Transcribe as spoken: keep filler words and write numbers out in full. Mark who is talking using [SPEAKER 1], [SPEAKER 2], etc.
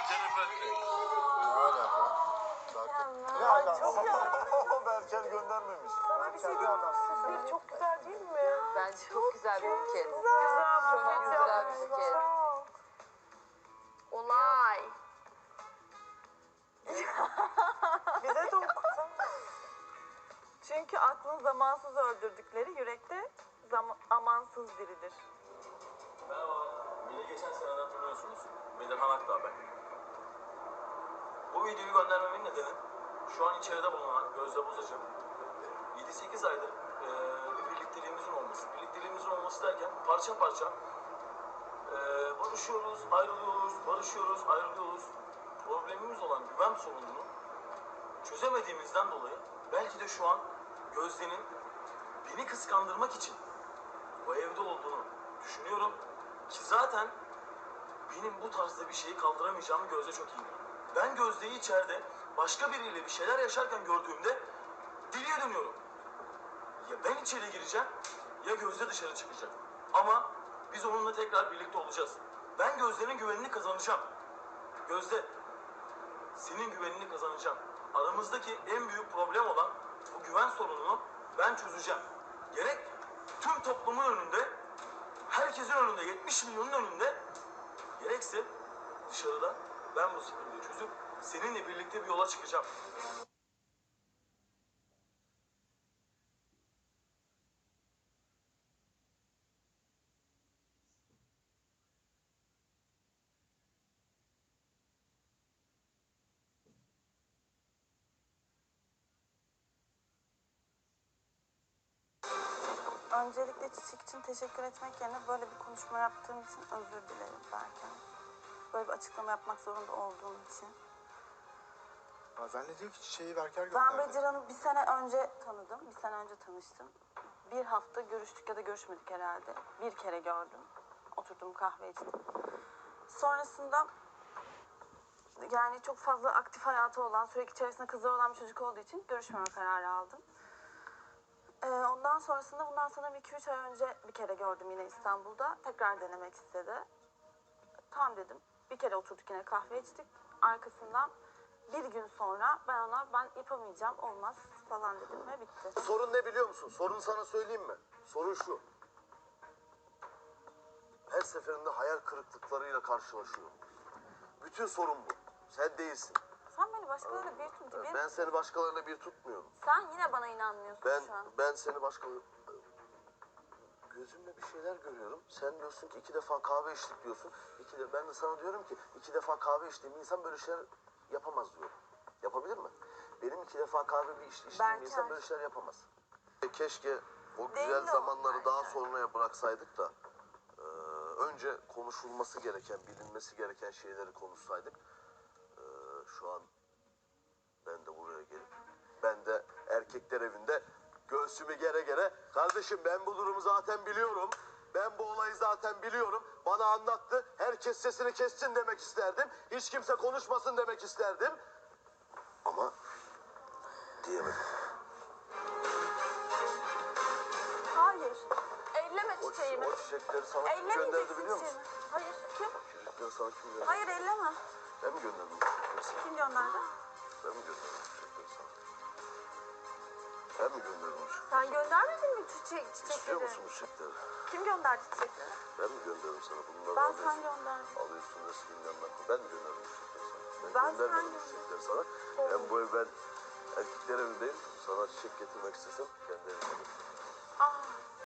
[SPEAKER 1] Teleferik.
[SPEAKER 2] Ne alaka? Berker. Ne alaka? Berker göndermemiş.
[SPEAKER 3] Sana bir şey diyeyim mi? Süsleri çok güzel değil mi?
[SPEAKER 4] Bence çok güzel bir buket.
[SPEAKER 3] Çok güzel.
[SPEAKER 4] Çok güzel bir buket.
[SPEAKER 3] Çok.
[SPEAKER 4] Olay.
[SPEAKER 3] Bize de okutun. Çünkü aklın zamansız öldürdükleri yürekte zam amansız diridir.
[SPEAKER 5] Merhaba, beni geçen seneden tanıyorsunuz. Bedirhan Akdağ ben. Bu videoyu göndermemin nedeni şu an içeride bulunan Gözde Bozacı yedi sekiz aydır e, bir birlikteliğimizin olması. Birlikteliğimizin olması derken parça parça e, barışıyoruz, ayrılıyoruz, barışıyoruz, ayrılıyoruz. Problemimiz olan güven sorununu çözemediğimizden dolayı belki de şu an Gözde'nin beni kıskandırmak için bu evde olduğunu düşünüyorum. Ki zaten benim bu tarzda bir şeyi kaldıramayacağımı Gözde çok iyi biliyor. Ben Gözde'yi içeride başka biriyle bir şeyler yaşarken gördüğümde deliye dönüyorum. Ya ben içeri gireceğim ya Gözde dışarı çıkacak. Ama biz onunla tekrar birlikte olacağız. Ben Gözde'nin güvenini kazanacağım. Gözde, senin güvenini kazanacağım. Aramızdaki en büyük problem olan bu güven sorununu ben çözeceğim. Gerek tüm toplumun önünde, herkesin önünde, yetmiş milyonun önünde, gerekse dışarıda ben bu sıkıntıyı çözüp seninle birlikte bir yola çıkacağım.
[SPEAKER 3] Öncelikle Çiçek için teşekkür etmek yerine böyle bir konuşma yaptığım için özür dilerim Berker. Böyle bir açıklama yapmak zorunda olduğum için.
[SPEAKER 2] Ha, zannediyor ki çiçeği Berker
[SPEAKER 3] Ben
[SPEAKER 2] gönderdi.
[SPEAKER 3] Bedirhan'ı bir sene önce tanıdım. Bir sene önce tanıştım. Bir hafta görüştük ya da görüşmedik herhalde. Bir kere gördüm. Oturdum kahve içtim. Sonrasında yani çok fazla aktif hayatı olan, sürekli içerisinde kızlar olan bir çocuk olduğu için görüşmeme kararı aldım. Ee, ondan sonrasında bundan sanırım iki üç ay önce bir kere gördüm yine İstanbul'da. Tekrar denemek istedi. Tamam dedim. Bir kere oturduk yine kahve içtik. Arkasından bir gün sonra ben ona ben yapamayacağım olmaz falan dedim ve bitti.
[SPEAKER 6] Sorun ne biliyor musun? Sorunu sana söyleyeyim mi? Sorun şu. Her seferinde hayal kırıklıklarıyla karşılaşıyorum. Bütün sorun bu. Sen değilsin.
[SPEAKER 3] Sen beni başkalarıyla bir tut.
[SPEAKER 6] Ben,
[SPEAKER 3] Benim-
[SPEAKER 6] ben seni başkalarıyla bir tutmuyorum.
[SPEAKER 3] Sen yine bana inanmıyorsun
[SPEAKER 6] Ben
[SPEAKER 3] şu an.
[SPEAKER 6] ben seni başkaları... Gözümle bir şeyler görüyorum. Sen diyorsun ki iki defa kahve içtik diyorsun. İki de, ben de sana diyorum ki iki defa kahve içtiğim insan böyle şeyler yapamaz diyorum. Yapabilir mi? Benim iki defa kahve bir iç, içtiğim
[SPEAKER 3] Berker.
[SPEAKER 6] insan böyle şeyler yapamaz. Keşke o
[SPEAKER 3] Değil
[SPEAKER 6] güzel
[SPEAKER 3] o
[SPEAKER 6] zamanları daha
[SPEAKER 3] Berker.
[SPEAKER 6] sonraya bıraksaydık da e, önce konuşulması gereken, bilinmesi gereken şeyleri konuşsaydık. E, şu an ben de buraya gelip ben de erkekler evinde göğsümü gere gere kardeşim ben bu durumu zaten biliyorum. Ben bu olayı zaten biliyorum. Bana anlattı. Herkes sesini kessin demek isterdim. Hiç kimse konuşmasın demek isterdim. Ama diyemedim.
[SPEAKER 3] Hayır. Elleme
[SPEAKER 6] O,
[SPEAKER 3] çiçeğimi.
[SPEAKER 6] o çiçekleri sana kim gönderdi
[SPEAKER 3] Ellemeyeceksin
[SPEAKER 6] biliyor musun?
[SPEAKER 3] çiçeğimi. Hayır. Kim?
[SPEAKER 6] Çiçekleri sana kim gönderdi?
[SPEAKER 3] Hayır elleme.
[SPEAKER 6] Ben mi gönderdim bu çiçekleri sana?
[SPEAKER 3] Kim gönderdi?
[SPEAKER 6] Ben mi gönderdim bu çiçekleri sana? Ben mi gönderdim bu çiçekleri?
[SPEAKER 3] Sen göndermedin mi çiçek,
[SPEAKER 6] İstiyor
[SPEAKER 3] çiçekleri?
[SPEAKER 6] musun bu çiçekleri?
[SPEAKER 3] Kim gönderdi çiçekleri?
[SPEAKER 6] Ben mi gönderdim sana? Bunları
[SPEAKER 3] Ben
[SPEAKER 6] alıyorsun.
[SPEAKER 3] sen gönderdim.
[SPEAKER 6] Alıyorsun resminden bak. Ben mi gönderdim bu çiçekleri sana? Ben,
[SPEAKER 3] Ben
[SPEAKER 6] göndermedim
[SPEAKER 3] sen
[SPEAKER 6] bu çiçekleri sana. Ben bu ev ben erkekler evindeyim. Sana çiçek getirmek istesem kendi evime.
[SPEAKER 3] Ah.